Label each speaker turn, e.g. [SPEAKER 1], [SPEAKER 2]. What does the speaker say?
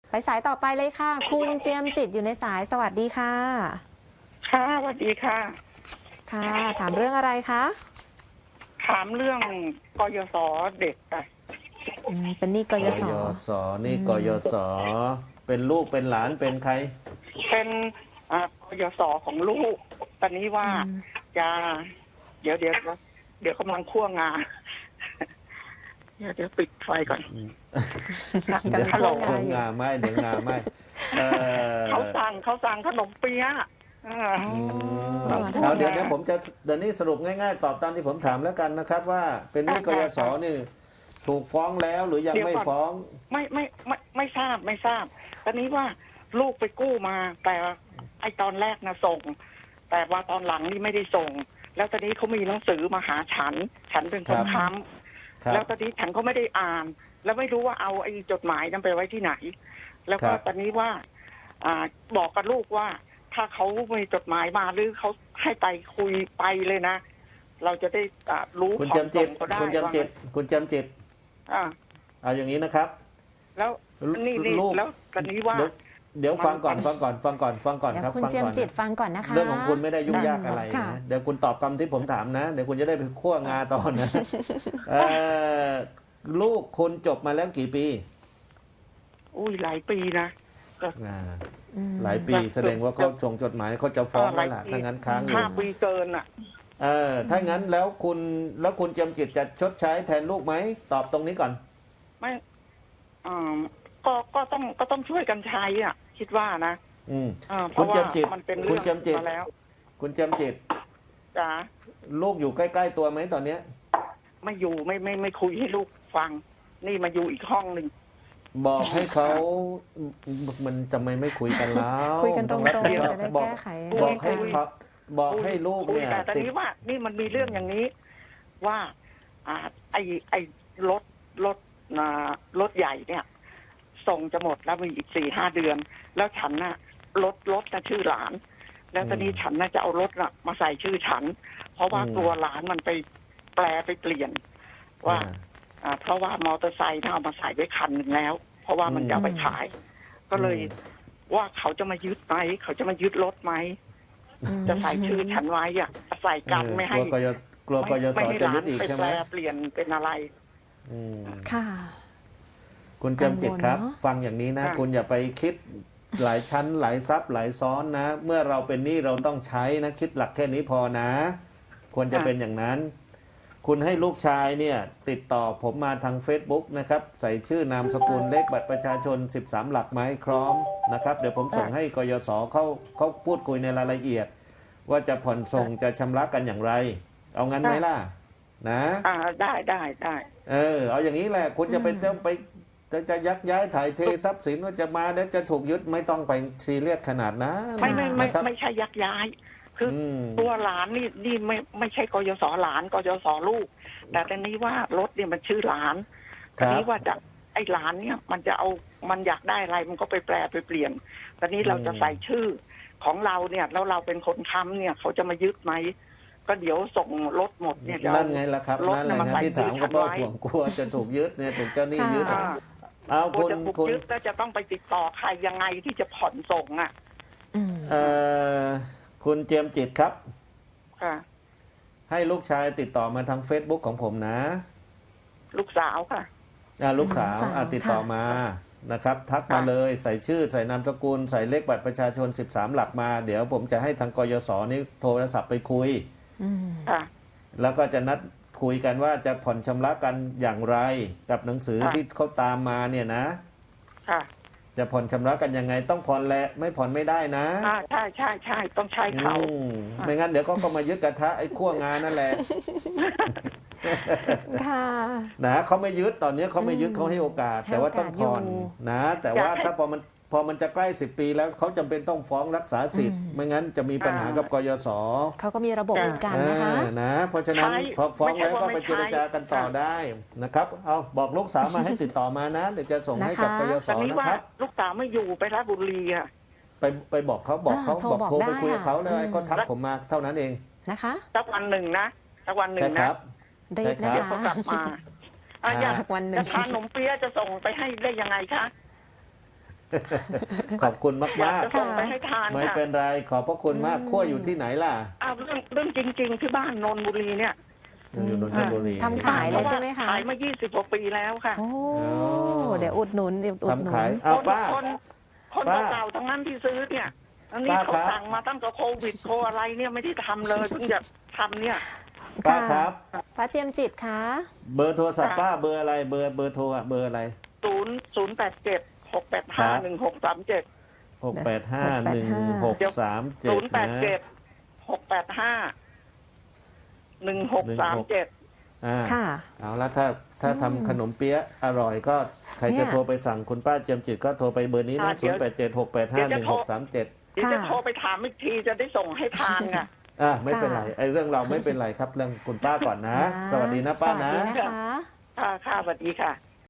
[SPEAKER 1] ไปสายต่อไปเลยค่ะ คุณเจียมจิตอยู่ในสายสวัสดีค่ะ
[SPEAKER 2] ค่ะสวัสดีค่ะ
[SPEAKER 1] ค่ะ ถามเรื่องอะไรคะ
[SPEAKER 2] ถามเรื่องกยศเด็กค่ะ
[SPEAKER 1] เป็นหนี้ก
[SPEAKER 3] ก
[SPEAKER 1] ยศ
[SPEAKER 3] ยศนี่กยศเป็นลูกเป็นหลานเป็นใคร
[SPEAKER 2] เป็นกยศของลูกตอนนี้ว่าจะเดี๋ยวกำลังคั่วงาเดี๋ยวปิดไฟก่อน
[SPEAKER 1] กำลัง
[SPEAKER 2] ฮัลโหล
[SPEAKER 1] คั่วงาอยู่
[SPEAKER 3] เดี๋ยวงาไหมเดี๋ยวงาไหมเอ
[SPEAKER 2] เขาสั่งขนมเปี๊ยะ
[SPEAKER 3] เอาเดี๋ยวผมจะเดี๋ยวนี้สรุปง่ายๆตอบตามที่ผมถามแล้วกันนะครับ ว่าเป็นหนี้กยศนี่ถูกฟ้องแล้วหรือยังไม่ฟ้อง
[SPEAKER 2] ไม่ทราบตอนนี้ว่าลูกไปกู้มา แต่ไอตอนแรกนะส่ง แต่ว่าตอนหลังนี่ไม่ได้ส่ง แล้วตอนนี้เขามีหนังสือมาหาฉันเป็นคนค้ำแล้วตอนนี้ฉันก็ไม่ได้อ่าน แล้วไม่รู้ว่าเอาไอ้จดหมายนั้นไปไว้ที่ไหน แล้วก็ตอนนี้ว่าบอกกับลูกว่า ถ้าเขามีจดหมายมาหรือเขาให้ไปคุยไปเลยนะ เราจะได้รู้
[SPEAKER 3] คุณจำจิตคุณจำจิตเอาอย่างนี้นะครับ
[SPEAKER 2] แล้วนี่แล้วตอนนี้ว่า
[SPEAKER 3] เดี๋ยวฟังก่อนครับฟังก่อน
[SPEAKER 1] คุณเจียมจิตฟังก่อนนะคะ
[SPEAKER 3] เรื่องของคุณไม่ได้ยุ่งยากอะไรนะเดี๋ยวคุณตอบคำที่ผมถามนะเดี๋ยวคุณจะได้ไปคั่วงาตอนนะลูกคุณจบมาแล้วกี่ปี
[SPEAKER 2] อุ้ยหลายปีนะ
[SPEAKER 3] หลายปีแสดงว่าเขาส่งจดหมายเขาจะฟ้องแล้วล่ะถ้างั้นค้างอยู่
[SPEAKER 2] 5 ปีเกินอ่ะ
[SPEAKER 3] ถ้างั้นแล้วคุณจำจิตจะชดใช้แทนลูกไหมตอบตรงนี้ก่อน
[SPEAKER 2] ไม่ก็ต้องช่วยกันใช้อ่ะคิดว่านะ
[SPEAKER 3] คุณจำจิต
[SPEAKER 2] มันเป็นเรื่องมาแล้ว
[SPEAKER 3] คุณจำจิต
[SPEAKER 2] จ๋า
[SPEAKER 3] ลูกอยู่ใกล้ๆตัวไหมตอนเนี้ย
[SPEAKER 2] ไม่อยู่ไม่คุยให้ลูกฟังนี่มาอยู่อีกห้องหนึ่ง
[SPEAKER 3] บอกให้เขามันจะไม่คุยกันแล้ว
[SPEAKER 1] คุยกันตรงๆจะได้แก้ไข
[SPEAKER 3] บอกให้เขาบอกให้ลูกเนี่ย
[SPEAKER 2] แต่ตอนนี้ว่านี่มันมีเรื่องอย่างนี้ว่าไอ้รถใหญ่เนี่ยส่งจะหมดแล้วมีอีก4-5 เดือนแล้วฉันน่ะรถน่ะชื่อหลานแล้วตอนนี้ฉันน่ะจะเอารถน่ะมาใส่ชื่อฉันเพราะว่ากลัวหลานมันไปแปลไปเปลี่ยนว่าเพราะว่ามอเตอร์ไซค์เอามาใส่ไว้คันหนึ่งแล้วเพราะว่ามันจะไปขายก็เลยว่าเขาจะมายึดไหมเขาจะมายึดรถไหมจะใส่ชื่อฉันไว้อ่ะใส่กันไม่ให้
[SPEAKER 3] กลัวกยศจะยึดอีกใช่ไหม
[SPEAKER 2] เปลี่ยนเป็นอะไร
[SPEAKER 1] ค่ะ
[SPEAKER 3] คุณจำจิตครับฟังอย่างนี้นะคุณอย่าไปคิดหลายชั้นหลายซับหลายซ้อนนะเมื่อเราเป็นหนี้เราต้องใช้นะคิดหลักแค่นี้พอนะควรจะเป็นอย่างนั้นคุณให้ลูกชายเนี่ยติดต่อผมมาทาง Facebook นะครับใส่ชื่อนามสกุลเลขบัตรประชาชน13 หลักมาให้พร้อมนะครับเดี๋ยวผมส่งให้กยศเขาพูดคุยในรายละเอียดว่าจะผ่อนส่งจะชำระกันอย่างไรเอางั้นไหมล่ะนะ
[SPEAKER 2] ได้
[SPEAKER 3] เอาอย่างนี้แหละคุณจะเป็นต้องไปจะยักย้ายถ่ายเททรัพย์สินว่าจะมาแล้วจะถูกยึดไม่ต้องไปซีเรียสขนาดนั้น
[SPEAKER 2] ไม่ใช่ยักย้ายคือตัวหลานนี่ไม่ใช่กยศหลานกยศลูกแต่ตอนนี้ว่ารถเนี่ยมันชื่อหลานตอนนี้ว่าจะไอ้หลานเนี่ยมันจะเอามันอยากได้อะไรมันก็ไปแปลไปเปลี่ยนตอนนี้เราจะใส่ชื่อของเราเนี่ยแล้วเราเป็นคนค้ำเนี่ยเขาจะมายึดไหมก็เดี๋ยวส่งรถหมดเนี่ย
[SPEAKER 3] นั่นไงล่ะครับนั่นแหละนะที่ถามก็เพราะห่วงกลัวจะถูกยึดเนี่ยถูกเจ้าหนี้ยึดเอาคุณ
[SPEAKER 2] ยึดแล้วจะต้องไปติดต่อใครยังไงที่จะผ่อนส่งอ่ะ
[SPEAKER 3] คุณเจียมจิตครับ
[SPEAKER 2] ค่ะ
[SPEAKER 3] ให้ลูกชายติดต่อมาทาง Facebook ของผมนะ
[SPEAKER 2] ลูกสาวค่ะ
[SPEAKER 3] ลูกสาวติดต่อมานะครับทักมาเลยใส่ชื่อใส่นามสกุลใส่เลขบัตรประชาชน13 หลักมาเดี๋ยวผมจะให้ทางกยศนี่โทรศัพท์ไปคุยแล้วก็จะนัดคุยกันว่าจะผ่อนชำระกันอย่างไรกับหนังสือที่เขาตามมาเนี่ยนะจะผ่อนชำระกันยังไงต้องผ่อนแหละไม่ผ่อนไม่ได้นะ
[SPEAKER 2] ใช่ต้องใช้เขา
[SPEAKER 3] ไม่งั้นเดี๋ยวก็มายึดกระทะไอ้ขั้วงานนั่นแหละนะเขาไม่ยึดตอนนี้เขาไม่ยึดเขาให้โอกาสแต่ว่าต้องผ่อนนะแต่ว่าถ้าพอมันจะใกล้10 ปีแล้วเขาจำเป็นต้องฟ้องรักษาสิทธิ์ไม่งั้นจะมีปัญหากับกยศ
[SPEAKER 1] เขาก็มีระบบเหมือนกันนะคะ
[SPEAKER 3] นะเพราะฉะนั้นพอฟ้องแล้วก็ไปเจรจากันต่อได้นะครับเอาบอกลูกสาวมาให้ติดต่อมานะเดี๋ยวจะส่งให้กับกยศนะครับ
[SPEAKER 2] ลูกสาวไม่อยู่ไปราชบุรีอ่ะ
[SPEAKER 3] ไปบอกเขาโทรไปคุยกับเขาเลยก็ทักผมมาเท่านั้นเอง
[SPEAKER 1] นะคะ
[SPEAKER 2] สักวันหนึ่งนะ
[SPEAKER 1] ได้นะคะ
[SPEAKER 2] เขากลับมาอยากวันหนึ่งจะทานขนมเปี๊ยะจะส่งไปให้ได้ยังไงคะ
[SPEAKER 3] ขอบคุณ
[SPEAKER 2] อยาก
[SPEAKER 3] มาก
[SPEAKER 2] จะส่งไปให้ทาน
[SPEAKER 3] ๆ ไม่
[SPEAKER 2] ค่ะ
[SPEAKER 3] เป็นไรขอบพระคุณมากขั้วอยู่ที่ไหนล่ะ
[SPEAKER 2] เอาเรื่องจริง ๆ ที่บ้านนนทบุรีเนี่ย
[SPEAKER 3] อยู่นนทบุรี
[SPEAKER 1] ทำขายเลยใช่ไหมคะ
[SPEAKER 2] ขายมา20 กว่าปีแล้วค่ะ
[SPEAKER 1] โอ้
[SPEAKER 3] อ๋อ
[SPEAKER 1] เดี๋ยวอุดหนุนเดี๋ยวอุดหนุ
[SPEAKER 3] ทำขาย
[SPEAKER 1] น
[SPEAKER 3] เอาป้า
[SPEAKER 2] คน
[SPEAKER 3] ป้า
[SPEAKER 2] เก่าๆทั้งนั้นที่ซื้อเนี่ยอันนี้
[SPEAKER 3] ป้า
[SPEAKER 2] เขา
[SPEAKER 3] ครับ
[SPEAKER 2] สั่งมาตั้งแต่โควิดโคอะไรเนี่ยไม่ได้ทำเลยเพิ่งจะทำเนี่ย
[SPEAKER 3] ป้าครับ
[SPEAKER 1] ป้าเจียมจิตคะ
[SPEAKER 3] เบอร์โทรศัพท์
[SPEAKER 2] ค่ะ
[SPEAKER 3] ป้าเบอร์อะไรเบอร์โทรอะเบอร์อะไร
[SPEAKER 2] 087 685 1637
[SPEAKER 3] 6851637
[SPEAKER 2] 087 685 1637
[SPEAKER 1] ค่ะ
[SPEAKER 3] เอาละถ้าทำขนมเปี๊ยะอร่อยก็ใคร
[SPEAKER 1] เนี่
[SPEAKER 3] จะ
[SPEAKER 1] ย
[SPEAKER 3] โทรไปสั่งคุณป้าเจียมจิตก็โทรไปเบอร์นี้นะ
[SPEAKER 2] เดี๋ยว
[SPEAKER 3] 0876851637
[SPEAKER 2] เดี๋ยวจะโทรไปถามอีกทีจะได้ส่งให้ทานไง
[SPEAKER 3] ไม่เป็นไรไอ้เรื่องเราไม่เป็นไรครับเรื่องคุณป้าก่อนนะ สวัสดีนะป้านะ
[SPEAKER 1] สวัสดีนะคะ
[SPEAKER 2] ค่ะสวัสดีค่ะ